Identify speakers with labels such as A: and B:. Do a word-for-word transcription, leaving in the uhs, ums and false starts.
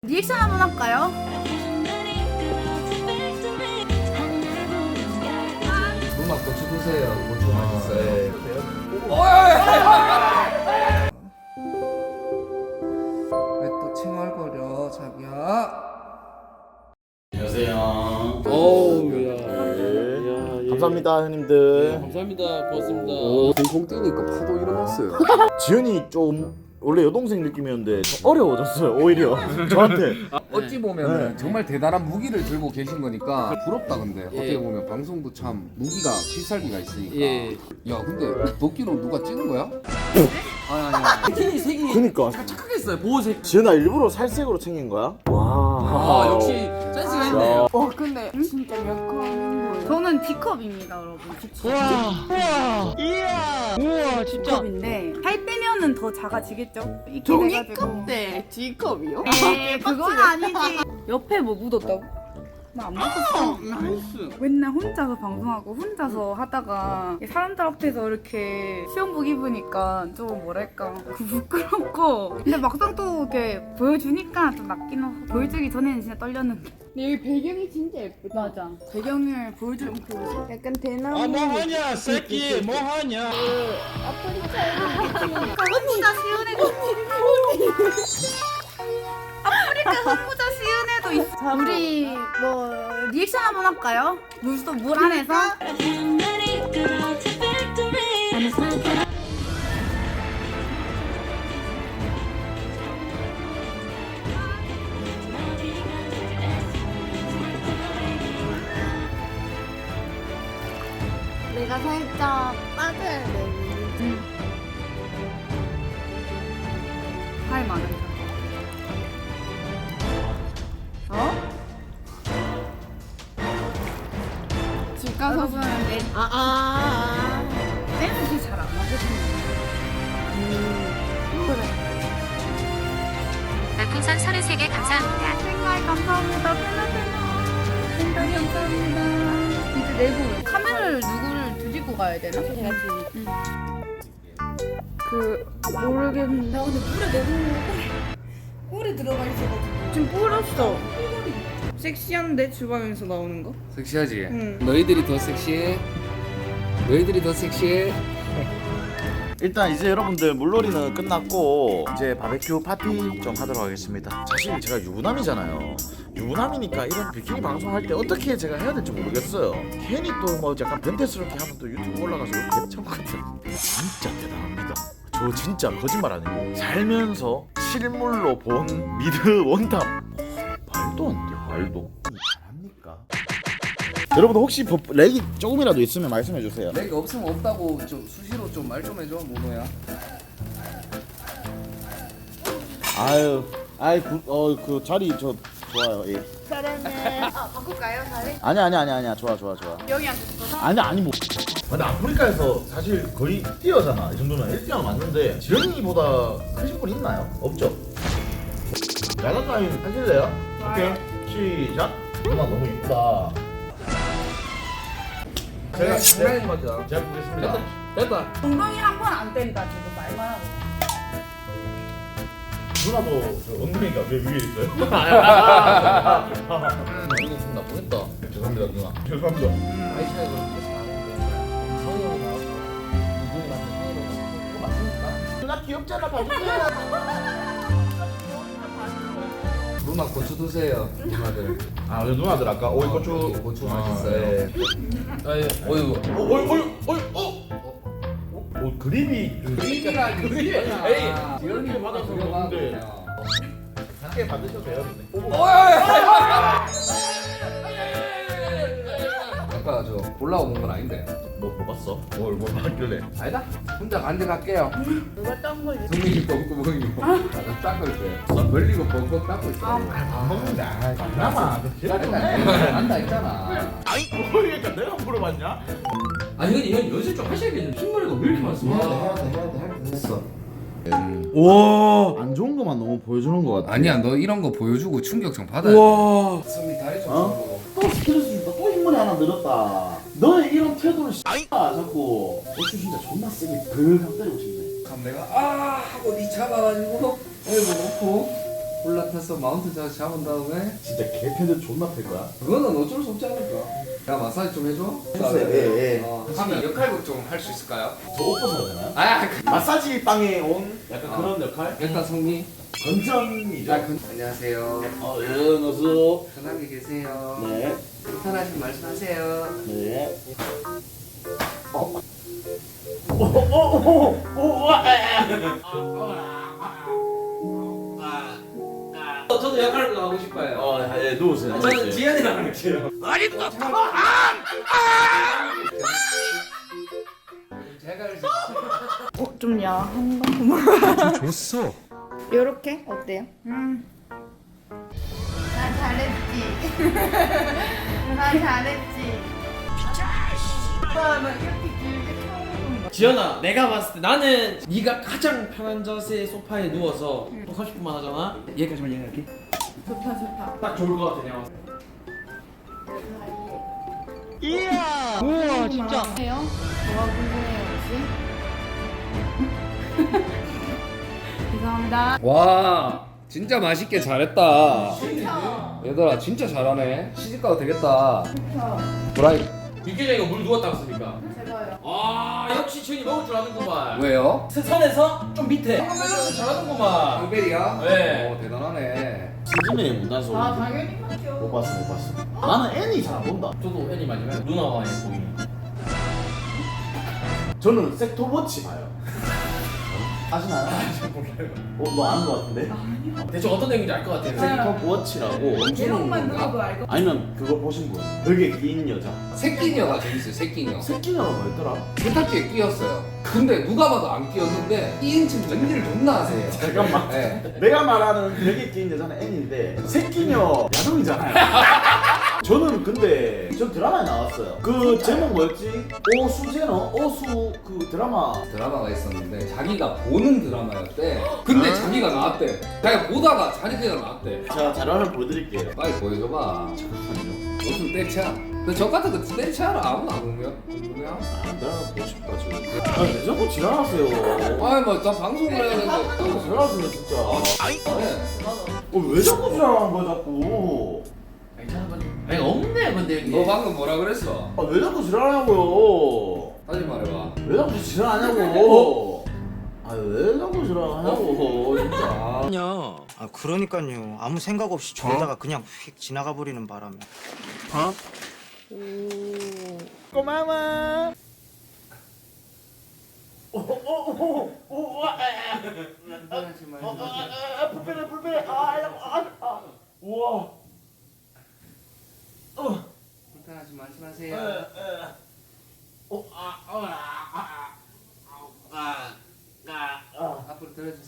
A: 리액션 한번 할까요?
B: 음악 고추 드세요. 고추 맛있어요. 왜 또 칭얼거려, 자기야?
C: 안녕하세요.
D: 어우 야.
C: 네. 감사합니다 형님들.
D: 감사합니다. 고맙습니다.
B: 오, 콩 뛰니까 파도 일어났어요.
C: 지현이 좀 원래 여동생 느낌이었는데 좀 어려워졌어요 오히려 저한테.
B: 어찌 보면
C: 네.
B: 정말 대단한 무기를 들고 계신 거니까 부럽다. 근데
D: 예.
B: 어떻게 보면 방송도 참 무기가 필살기가 있으니까.
D: 예.
B: 야 근데 도끼로 누가 찍은 거야? 아니 아니 아니.
D: 색이 색이
C: 그니까
D: 착하게 했어요. 보호색.
C: 지현아 일부러 살색으로 챙긴 거야? 와.
D: 아 역시 센스가 있네요.
A: 어 근데 진짜 몇 컵인 거예요? 저는 B컵입니다 여러분. B컵.
E: 우와, 이야, 우와, 진짜.
A: B컵인데 살 빼면은 더 작아지겠죠?
E: 종이컵 대 G컵이요?
A: 에이 그건 아니지. 옆에 뭐 묻었다고? 나 안 묻었어.
D: 나이스.
A: 맨날 혼자서 방송하고 혼자서 하다가 사람들 앞에서 이렇게 시험복 입으니까 좀 뭐랄까 부끄럽고 근데 막상 또 이렇게 보여주니까 좀 낫긴 하고 보여주기 전에는 진짜 떨렸는데
E: 여기 배경이 진짜 예쁘다.
A: 맞아 배경을 보여주면 보여줘
E: 약간 대나무.
F: 아 뭐하냐 새끼 뭐하냐.
A: 혼자 쉬운 애도 아프리카 혼자 쉬운 애도 있어. 우리 뭐 리액션 한번 할까요? 물속 물 안에서
E: 내가 살짝 빠져야 돼.
A: 할 많은 사람. 어?
E: 집 가서
A: 여러분 내
E: 아, 아, 아.
A: 댄스 잘안 하거든요.
G: 별풍선 서른세 개 감사합니다.
A: 생각 감사합니다. 팬아팬아. 생각 감사합니다. 이제 내부 카메라를 누구를 드리고 가야 되나?
E: 제가 지금
A: 응. 그 모르겠는데. 나 근데 물에 내부 꿀이 들어가 있어가지고 지금 뿌렸어. 섹시한데 주방에서 나오는 거?
B: 섹시하지?
A: 응.
B: 너희들이 더 섹시해. 너희들이 더 섹시해.
C: 일단 이제 여러분들 물놀이는 끝났고 이제 바베큐 파티 좀 하도록 하겠습니다. 사실 제가 유부남이잖아요. 유부남이니까 이런 비키니 방송할 때 어떻게 제가 해야 될지 모르겠어요. 괜히 또 뭐 약간 변태스럽게 하면 또 유튜브 올라가서 이렇게 참거든. 진짜 대단합니다. 저 진짜 거짓말 아니에요. 살면서 실물로 본 미드 원탑 말도 안 돼. 말도 잘합니까? 여러분 혹시 버- 렉이 조금이라도 있으면 말씀해 주세요.
B: 내가 없으면 없다고 좀 수시로 좀 말 좀 해줘 모노야.
C: 아유, 아이 어그 자리 저 좋아요. 예.
E: 그러면 아, 바꿀까요, 자리?
C: 아니 아니 아니 아니야. 좋아 좋아 좋아.
A: 여기 앉았어.
C: 아니 아니 뭐. 근데 아프리카에서 사실 거의 뛰어잖아. 이 정도면 일 등은 맞는데 지영이보다 크신 분 있나요? 없죠. 야간 가인 하실래요? 오케이 시작. 누나 너무 이쁘다. 제가
B: 장난인 거죠.
C: 제가 보겠습니다.
D: 됐다.
A: 동동이 한 번 안 뗀다 지금 말만 하고.
C: 누나도 저 엉덩이가 왜 위에 있어요?
B: 이거 좀 나쁘겠다.
C: 죄송합니다 누나. 죄송합니다.
B: 나이 차이가 그렇게 나는데 성이 형이 나오고 이분이 나한테 성이로 나오고 그거 맞습니까?
C: 누나 귀엽잖아 봐주세요.
B: 누나 고추 드세요 누나들.
C: 아 우리 누나들 아까 오이 고추
B: 어, 고추
C: 아,
B: 맛있어요.
C: 네.
D: 아예 어유.
C: 어이 어이 어이 어. 어 그림이
B: 그림이라 그림.
D: 에이.
B: 지연이
C: 받아서
B: 그려봐,
C: 먹는데.
B: 그냥.
C: 작게 받으셔도 돼요. 근데.
B: 아까 저 올라오는 건 아닌데.
C: 뭐 먹었어? 뭘 뭘 받길래?
B: 아니다. 혼자 간직할게요.
E: 누가 딴 걸리?
B: 종이 뻥구멍이고 나도 닦을 때 멀리고 뻥뻥 닦고 있어.
C: 안 먹는데. 아, 남아.
B: 안다 했잖아.
C: 아니 모르겠다. 내가 물어봤냐?
D: 아니 근데 이건 연습 좀 하셔야겠네. 흰머리가 왜 이렇게 많습니까?
B: 해야 돼 해야 돼 할 때 됐어.
C: 와. 안 좋은 것만 너무 보여주는 것 같아.
B: 아니야 너 이런 거 보여주고 충격 좀 받아야 돼.
C: 와.
B: 숨이 다리 좀
C: 어? 또 스트레스 준다. 또 흰머리 하나 늘었다. 너의 이런 태도를 씨. 아 자꾸. 어쭈 진짜 존나 세게 벌컥 때리고 싶네.
B: 그럼 내가 아 하고 니 잡아가지고 얼굴 놓고 올라타서 마운트 자 잡은 다음에
C: 진짜 개패드 존나 팰 거야?
B: 그거는 어쩔 수 없지 않을까? 야 마사지 좀 해줘?
C: 해주세요. 예, 예.
B: 어, 하면 역할극 좀 할 수 있을까요?
C: 저 옷 벗어야 되나요?
B: 아 그-
C: 마사지 빵에 온 약간
B: 어.
C: 그런 역할?
B: 일단 성미
C: 건전이죠.
B: 아, 그, 안녕하세요
C: 어, 예, 어서.
B: 편하게 계세요
C: 네,
B: 불편하신 말씀하세요
C: 네. 어. 오, 오, 오, 오, 와,
D: 어, 저도 역할을 하고 싶어요.
C: 어, 예, 누우세요.
D: 저는 지현이랑 할게요.
B: 제가 할수
E: 어, 좀 야한 거.
F: 줬어.
E: 요렇게 어때요? 음. 나 잘했지. 나 잘했지.
A: 나 이렇게 길게 처음 해본 거.
D: 지현아, 내가 봤을 때 나는 네가 가장 편한 자세의 소파에 누워서 또 삼십 분만 하잖아. 여기까지만 얘기할게.
A: 좋다 좋다.
D: 딱 좋을 것 같아, 내가.
F: 우와 진짜.
E: 해요? 뭐가 궁금해요 혹시?
A: 죄송합니다.
B: 와 진짜 맛있게 잘했다 얘들아 진짜 잘하네 시집가도 되겠다 브라이
D: 육개장이가 물 누웠다 왔습니까?
E: 제가요.
D: 아, 역시 지현이 먹을 줄 아는구만.
B: 왜요?
D: 선에서 좀 밑에. 밸런스 잘하는구만.
B: 황벨이야?
D: 네.
B: 오 대단하네
C: 진심의 문단속.
E: 아 당연히 맞죠.
C: 못 봤어, 못 봤어. 나는 애니 잘 안 본다.
D: 저도 애니 많이 봐요. 누나와 애보이.
C: 저는 섹터워치 봐요. 아시나요?
D: 몰라요.
C: 어, 너 아는 거 같은데?
D: 대충 어떤 내용인지 알 것 같아요.
C: 섹터워치라고.
A: 제목만 들어도 알고.
C: 아니면 그거 보신 분? 벽에 끼인 여자.
B: 새끼녀가 재밌어요 새끼녀
C: 새끼녀가 뭐였더라?
B: 세탁기에 끼었어요 근데 누가 봐도 안 끼었는데 끼인 층 웬일 존나 하세요
C: 잠깐만.
B: 네.
C: 내가 말하는 벽에 끼인 여자는 애니인데 새끼녀 야동이잖아요. 저는 근데 저 드라마에 나왔어요. 그 제목 뭐였지? 오수제너? 오수 그 드라마.
B: 드라마가 있었는데 자기가 보는 드라마였대 근데 자기가 나왔대 자기가 보다가 자기가 나왔대
C: 제가 자료를 보여드릴게요.
B: 빨리 보여줘봐
C: 잠깐만요.
B: 무슨 때차 근데 저 같은 거 때차를 아무나 안 보면 누구야?
C: 아, 내가 보고 싶다 지금. 아니 왜 자꾸 지랄하세요?
B: 아이 뭐나 방송을 해야 되는데
C: 지랄하세요 진짜.
B: 네.
C: 어, 왜 자꾸 지랄하는 거야 자꾸?
D: 괜찮은 거지? 아니, 없네, 근데 여기.
B: 너 방금 뭐라 그랬어?
C: 아, 왜 자꾸 지랄하냐고요?
B: 다시 말해봐
C: 왜 자꾸 지랄하냐고? 아, 왜 자꾸 지랄하냐고 진짜.
H: 아니요. 아 그러니까요. 아무 생각 없이 졸다가 그냥 휙 지나가 버리는 바람에. 어?
C: 고마워. 오오오오 아, 불편해 불편해. 아, 아, 아. 우와. 어.
B: 불편하지 말씀하세요
C: 에, 에. 어, 아, 아.